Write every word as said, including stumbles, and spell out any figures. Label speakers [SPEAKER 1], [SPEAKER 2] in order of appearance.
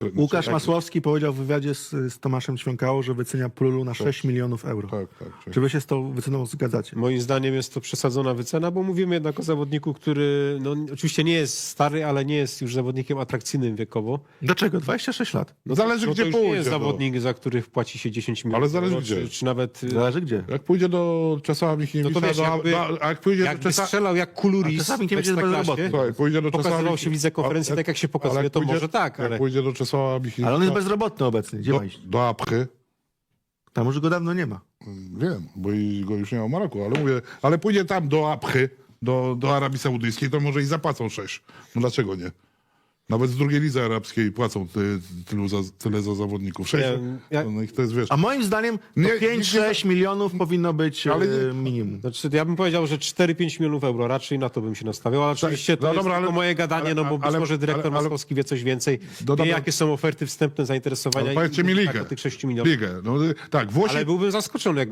[SPEAKER 1] Łukasz
[SPEAKER 2] jak-
[SPEAKER 1] Masłowski powiedział w wywiadzie z, z Tomaszem Ćwiąkało, że wycenia Prulu na sześć milionów euro.
[SPEAKER 2] Tak, tak. tak.
[SPEAKER 1] Czy wy się z tą wyceną zgadzacie?
[SPEAKER 3] Moim zdaniem jest to przesadzona wycena, bo mówimy jednak o zawodniku, który no, oczywiście nie jest stary, ale nie jest już zawodnikiem atrakcyjnym wiekowo.
[SPEAKER 1] Dlaczego? dwadzieścia sześć lat.
[SPEAKER 3] No
[SPEAKER 2] Zależy,
[SPEAKER 3] to,
[SPEAKER 2] gdzie
[SPEAKER 3] to już nie
[SPEAKER 2] pójdzie,
[SPEAKER 3] jest
[SPEAKER 2] no.
[SPEAKER 3] zawodnik, za których płaci się dziesięć milionów.
[SPEAKER 2] Ale zależy
[SPEAKER 3] euro,
[SPEAKER 2] gdzie.
[SPEAKER 3] Czy, czy nawet...
[SPEAKER 1] Zależy gdzie.
[SPEAKER 2] Jak pójdzie do Czesława Michniewicza,
[SPEAKER 3] No to wiesz,
[SPEAKER 2] do,
[SPEAKER 3] jakby-
[SPEAKER 2] do, a jak pójdzie do
[SPEAKER 3] Jakby
[SPEAKER 2] Czesa...
[SPEAKER 3] strzelał jak
[SPEAKER 1] A
[SPEAKER 3] Kuluris
[SPEAKER 1] czasami
[SPEAKER 3] w
[SPEAKER 1] nie będzie
[SPEAKER 3] Ekstraklasie,
[SPEAKER 1] bezrobotny.
[SPEAKER 2] Słuchaj, pójdzie do Czesława
[SPEAKER 3] pokazywał się w
[SPEAKER 2] Michni-
[SPEAKER 3] lidze konferencji
[SPEAKER 2] a-
[SPEAKER 3] tak, jak się
[SPEAKER 2] ale
[SPEAKER 3] pokazuje,
[SPEAKER 2] jak
[SPEAKER 3] to
[SPEAKER 2] pójdzie-
[SPEAKER 3] może tak,
[SPEAKER 2] Jak
[SPEAKER 3] ale...
[SPEAKER 2] pójdzie do Czesława Michniewicza,
[SPEAKER 1] Ale on jest bezrobotny obecnie. Gdzie
[SPEAKER 2] do,
[SPEAKER 1] ma iść?
[SPEAKER 2] do Apchy,
[SPEAKER 1] Tam już go dawno nie ma.
[SPEAKER 2] wiem, bo i go już nie ma w Maroku, ale mówię, ale pójdzie tam do Apchy, do, do Arabii Saudyjskiej, to może i zapłacą sześć. No dlaczego nie? Nawet z drugiej lidze arabskiej płacą ty, tylu za, tyle za zawodników. sześć,
[SPEAKER 3] Nie, ja-
[SPEAKER 2] no ich to jest, wiesz...
[SPEAKER 1] A moim zdaniem
[SPEAKER 2] Nie,
[SPEAKER 1] to pięć sześć milionów powinno być
[SPEAKER 2] Ale
[SPEAKER 1] ale
[SPEAKER 2] nie-
[SPEAKER 1] minimum.
[SPEAKER 3] Znaczy, ja bym powiedział, że cztery pięć milionów euro, raczej na to bym się nastawiał, ale oczywiście to
[SPEAKER 2] no
[SPEAKER 3] jest
[SPEAKER 2] dobra,
[SPEAKER 3] tylko
[SPEAKER 2] ale-
[SPEAKER 3] moje gadanie,
[SPEAKER 2] ale-
[SPEAKER 3] no bo być
[SPEAKER 2] ale-
[SPEAKER 3] może dyrektor
[SPEAKER 2] ale- ale-
[SPEAKER 3] Masłowski wie coś więcej,
[SPEAKER 2] No
[SPEAKER 3] wie
[SPEAKER 2] dobra.
[SPEAKER 3] jakie są oferty wstępne zainteresowania
[SPEAKER 2] Ale powiedzcie
[SPEAKER 3] i
[SPEAKER 2] mi
[SPEAKER 3] tak
[SPEAKER 2] ligę.
[SPEAKER 3] o tych sześciu milionów.
[SPEAKER 2] Ligę. No, tak, Włosi
[SPEAKER 3] Ale byłbym zaskoczony, jak